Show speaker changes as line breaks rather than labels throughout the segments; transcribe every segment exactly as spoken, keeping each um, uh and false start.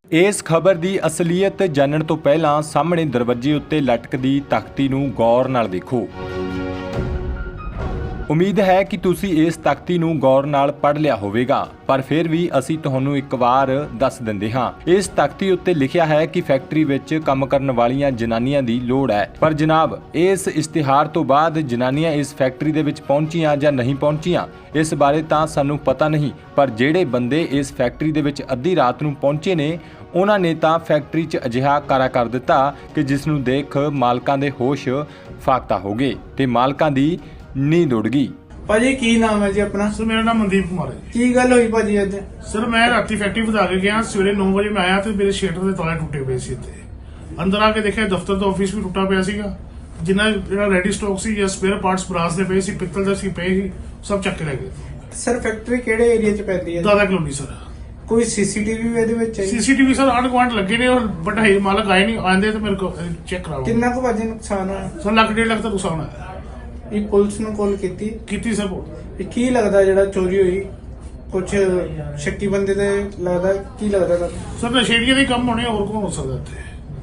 ਇਸ ਖਬਰ ਦੀ ਅਸਲੀਅਤ ਜਾਣਨ ਤੋਂ ਪਹਿਲਾਂ ਸਾਹਮਣੇ ਦਰਵਾਜ਼ੇ ਉੱਤੇ ਲਟਕਦੀ ਤਖਤੀ ਨੂੰ ਗੌਰ ਨਾਲ ਦੇਖੋ। ਉਮੀਦ ਹੈ ਕਿ ਤੁਸੀਂ ਇਸ ਤਖਤੀ ਨੂੰ ਗੌਰ ਨਾਲ ਪੜ੍ਹ ਲਿਆ ਹੋਵੇਗਾ, ਪਰ ਫਿਰ ਵੀ ਅਸੀਂ ਤੁਹਾਨੂੰ ਇੱਕ ਵਾਰ ਦੱਸ ਦਿੰਦੇ ਹਾਂ। ਇਸ ਤਖਤੀ ਉੱਤੇ ਲਿਖਿਆ ਹੈ ਕਿ ਫੈਕਟਰੀ ਵਿੱਚ ਕੰਮ ਕਰਨ ਵਾਲੀਆਂ ਜਨਾਨੀਆਂ ਦੀ ਲੋੜ ਹੈ, ਪਰ ਜਨਾਬ ਇਸ ਇਸ਼ਤਿਹਾਰ ਤੋਂ ਬਾਅਦ ਜਨਾਨੀਆਂ ਇਸ ਫੈਕਟਰੀ ਦੇ ਵਿੱਚ ਪਹੁੰਚੀਆਂ ਜਾਂ ਨਹੀਂ ਪਹੁੰਚੀਆਂ ਇਸ ਬਾਰੇ ਤਾਂ ਸਾਨੂੰ ਪਤਾ ਨਹੀਂ, ਪਰ ਜਿਹੜੇ ਬੰਦੇ ਇਸ ਫੈਕਟਰੀ ਦੇ ਵਿੱਚ ਅੱਧੀ ਰਾਤ ਨੂੰ ਪਹੁੰਚੇ ਨੇ ਉਹਨਾਂ ਨੇ ਤਾਂ ਫੈਕਟਰੀ 'ਚ ਅਜਿਹਾ ਕਾਰਾ ਕਰ ਦਿੱਤਾ ਕਿ ਜਿਸ ਨੂੰ ਦੇਖ ਮਾਲਕਾਂ ਦੇ ਹੋਸ਼ ਫਾਕਤਾ ਹੋ ਗਏ ਤੇ ਮਾਲਕਾਂ ਦੀ ਨੀਂਦ ਉੱਡ ਗਈ।
ਭਾਜੀ ਕੀ ਨਾਮ ਹੈ ਜੀ ਆਪਣਾ?
ਸਰ ਮੇਰਾ ਨਾਮ ਮਨਦੀਪ ਕੁਮਾਰ ਹੈ।
ਕੀ ਗੱਲ ਹੋਈ ਭਾਜੀ ਅੱਜ?
ਸਰ ਮੈਂ ਰਾਤੀ ਫੈਕਟਰੀ ਵਧਾ ਕੇ ਗਿਆ, ਸਵੇਰੇ ਨੌ ਵਜੇ ਮੈਂ ਆਇਆ ਤੇ ਮੇਰੇ ਸ਼ਟਰ ਦੇ ਤਾਲੇ ਟੁੱਟੇ ਪਏ ਸੀ। ਇੱਥੇ ਅੰਦਰ ਆ ਕੇ ਦੇਖਿਆ ਦਫ਼ਤਰ ਦਾ ਆਫਿਸ ਵੀ ਟੁੱਟਾ ਪਿਆ ਸੀਗਾ। ਜਿੰਨਾ ਜਿਹੜਾ ਰੈਡੀ ਸਟਾਕ ਸੀ ਜਾਂ ਸਪੇਅਰ ਪਾਰਟਸ ਬਰਾਸ ਦੇ ਪਏ ਸੀ, ਪਿੱਤਲ ਦੇ ਸੀ ਪਏ ਸੀ, ਸਭ ਚੱਕ ਕੇ ਲੈ ਗਏ।
ਸਰ ਫੈਕਟਰੀ ਕਿਹੜੇ ਏਰੀਆ 'ਚ ਪੈਂਦੀ ਹੈ?
Dada colony sir.
ਕੋਈ ਸੀਸੀਟੀਵੀ ਵੀ ਇਹਦੇ ਵਿੱਚ ਹੈ?
ਸੀਸੀਟੀਵੀ ਸਰ ਆਂਢ ਗੁਆਂਢ ਲੱਗੇ ਨੇ, ਔਰ ਬਟ ਹੈ ਮਾਲਕ ਆਏ ਨਹੀਂ, ਆਂਦੇ ਤੇ ਮੇਰੇ ਕੋਲ ਚੈੱਕ ਕਰਾਓ।
ਕਿੰਨਾ ਕੁ ਭਾਜੀ ਨੁਕਸਾਨ ਹੋਇਆ?
ਸਰ ਲੱਖ ਡੇਢ ਲੱਖ ਦਾ ਨੁਕਸਾਨ ਆਇਆ।
ਇਹ ਪੁਲਿਸ ਨੂੰ ਕਾਲ ਕੀਤੀ?
ਕੀਤੀ ਸਰ।
ਇਹ ਕੀ ਲੱਗਦਾ ਜਿਹੜਾ ਚੋਰੀ ਹੋਈ ਕੁਝ ਸ਼ੱਕੀ ਬੰਦੇ ਦੇ ਲੱਗਦਾ? ਕੀ ਲੱਗਦਾ ਤੁਹਾਨੂੰ?
ਸਰ ਨਸ਼ੇੜੀਆਂ ਦੇ ਕੰਮ ਹੋਣੇ, ਹੋਰ ਕੌਣ ਹੋ ਸਕਦਾ ਇੱਥੇ?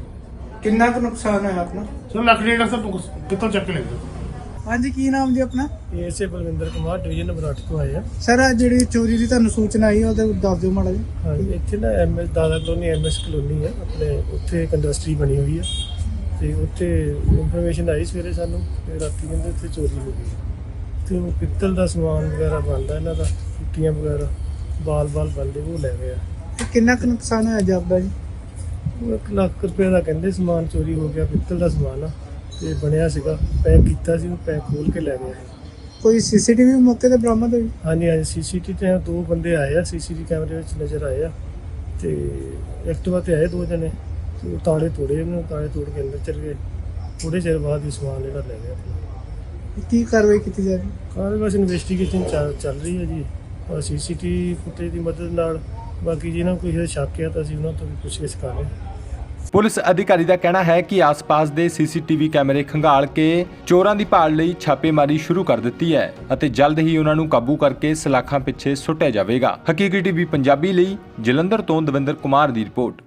ਕਿੰਨਾ ਕੁ ਨੁਕਸਾਨ ਹੋਇਆ ਆਪਣਾ?
ਸਰ ਲੱਖ ਡੇਢ ਲੱਖ ਦਾ ਪਿੱਤਲ ਚੱਕ ਕੇ ਲੈ ਗਏ।
ਹਾਂਜੀ ਕੀ ਨਾਮ ਜੀ ਆਪਣਾ?
ਏਸੇ ਬਲਵਿੰਦਰ ਕੁਮਾਰ ਡਿਵੀਜ਼ਨ ਨੰਬਰ ਅੱਠ ਤੋਂ ਆਏ ਆ।
ਸਰ ਆ ਜਿਹੜੀ ਚੋਰੀ ਦੀ ਤੁਹਾਨੂੰ ਸੂਚਨਾ ਆਈ ਉਹਦੇ ਦੱਸ ਦਿਓ ਮਾੜਾ ਜੀ।
ਹਾਂਜੀ ਇੱਥੇ ਨਾ ਐਮਐਸ ਦਾਦਾ ਕਲੋਨੀ ਐਮਐਸ ਕਲੋਨੀ ਆ ਆਪਣੇ, ਉੱਥੇ ਇੱਕ ਇੰਡਸਟਰੀ ਬਣੀ ਹੋਈ ਆ ਤੇ ਉੱਥੇ ਇਨਫੋਰਮੇਸ਼ਨ ਆਈ ਸਵੇਰੇ ਸਾਨੂੰ ਤੇ ਰਾਤੀ ਕਹਿੰਦੇ ਉੱਥੇ ਚੋਰੀ ਹੋ ਗਈ ਤੇ ਉਹ ਪਿੱਤਲ ਦਾ ਸਮਾਨ ਵਗੈਰਾ ਬਣਦਾ ਇਹਨਾਂ ਦਾ, ਟੁੱਟੀਆਂ ਵਗੈਰਾ ਬਾਲ ਬਾਲ ਬਣਦੇ ਉਹ ਲੈ ਗਏ ਆ।
ਤੇ ਕਿੰਨਾ ਕੁ ਨੁਕਸਾਨ ਹੋਇਆ ਜਾਪਦਾ ਜੀ?
ਉਹ ਇੱਕ ਲੱਖ ਰੁਪਏ ਦਾ ਕਹਿੰਦੇ ਸਮਾਨ ਚੋਰੀ ਹੋ ਗਿਆ, ਪਿੱਤਲ ਦਾ ਸਮਾਨ ਆ ਤੇ ਬਣਿਆ ਸੀਗਾ, ਪੈਕ ਕੀਤਾ ਸੀ, ਉਹ ਪੈਕ ਖੋਲ ਕੇ ਲੈ ਗਏ।
ਕੋਈ ਸੀਸੀਟੀਵੀ ਮੌਕੇ ਤੇ ਬਰਾਮਦ ਹੋਈ?
ਹਾਂਜੀ ਹਾਂਜੀ ਸੀਸੀਟੀਵੀ ਤੇ ਦੋ ਬੰਦੇ ਆਏ ਆ, ਸੀਸੀਟੀਵੀ ਕੈਮਰੇ ਵਿੱਚ ਨਜ਼ਰ ਆਏ ਆ ਤੇ ਐਕਟਿਵਾ ਤੇ ਆਏ ਦੋ ਜਣੇ ਤੇ ਉਹ ਤਾਲੇ ਤੋੜੇ, ਉਹਨਾਂ ਤਾਲੇ ਤੋੜ ਕੇ ਅੰਦਰ ਚਲੇ ਗਏ। ਥੋੜੇ ਚਿਰ ਬਾਅਦ ਹੀ ਸਮਾਨ ਜਿਹੜਾ ਲੈ ਗਏ ਆਪਣਾ।
ਕੀ ਕਾਰਵਾਈ ਕੀਤੀ ਜਾ ਰਹੀ?
ਕਾਰਵਾਈ ਬਸ ਇਨਵੈਸਟੀਗੇਸ਼ਨ ਚੱਲ ਰਹੀ ਹੈ ਜੀ, ਔਰ ਸੀਸੀਟੀਵੀ ਫੁਟੇਜ ਦੀ ਮਦਦ ਨਾਲ। ਬਾਕੀ ਜਿਹਨਾਂ ਨੂੰ ਕੋਈ ਸ਼ੱਕ ਹੈ ਤਾਂ ਅਸੀਂ ਉਹਨਾਂ ਤੋਂ ਵੀ ਪੁੱਛਗਿੱਛ ਕਰ ਰਹੇ ਹਾਂ।
ਪੁਲਿਸ ਅਧਿਕਾਰੀ ਦਾ ਕਹਿਣਾ ਹੈ ਕਿ ਆਸ-ਪਾਸ ਦੇ ਸੀਸੀਟੀਵੀ ਕੈਮਰੇ ਖੰਗਾਲ ਕੇ ਚੋਰਾਂ ਦੀ ਭਾਲ ਲਈ ਛਾਪੇਮਾਰੀ ਸ਼ੁਰੂ ਕਰ ਦਿੱਤੀ ਹੈ ਅਤੇ ਜਲਦ ਹੀ ਉਹਨਾਂ ਨੂੰ ਕਾਬੂ ਕਰਕੇ ਸਲਾਖਾਂ ਪਿੱਛੇ ਸੁੱਟਿਆ ਜਾਵੇਗਾ। ਹਕੀਕੀ ਟੀਵੀ ਪੰਜਾਬੀ ਲਈ ਜਲੰਧਰ ਤੋਂ ਦਵਿੰਦਰ ਕੁਮਾਰ ਦੀ ਰਿਪੋਰਟ।